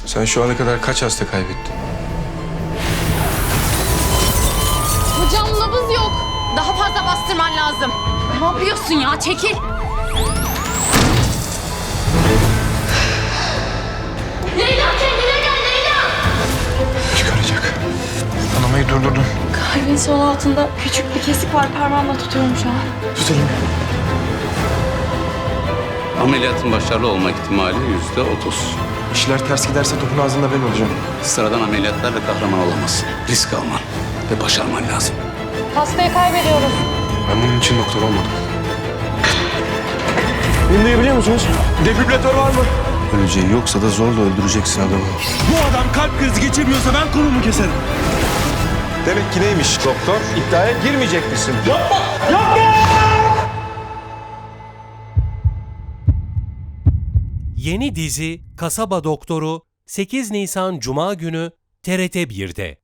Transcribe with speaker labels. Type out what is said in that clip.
Speaker 1: Sen şu ana kadar kaç hasta kaybettin?
Speaker 2: Hocam nabız yok. Daha fazla bastırman lazım. Ne yapıyorsun ya? Çekil. Leyla kendine gel Leyla.
Speaker 1: Çıkaracak. Kanamayı durdurdun.
Speaker 3: Kalbin sol altında küçük bir kesik var. Parmağımla tutuyorum şu an.
Speaker 1: Tutayım.
Speaker 4: Ameliyatın başarılı olma ihtimali %30.
Speaker 1: İşler ters giderse topun ağzında ben olacağım.
Speaker 4: Sıradan ameliyatlarla kahraman olamazsın. Risk alman ve başarman lazım.
Speaker 3: Hastayı kaybediyoruz.
Speaker 1: Ben bunun için doktor olmadım. Bunu duyabiliyor musunuz? Defibrilatör var mı? Öleceği yoksa da zorla öldüreceksin adamı.
Speaker 5: Bu adam kalp krizi geçirmiyorsa ben kolumu keserim.
Speaker 1: Demek ki neymiş doktor? İddiaya girmeyecek misin?
Speaker 6: Yeni dizi Kasaba Doktoru 8 Nisan Cuma günü TRT 1'de.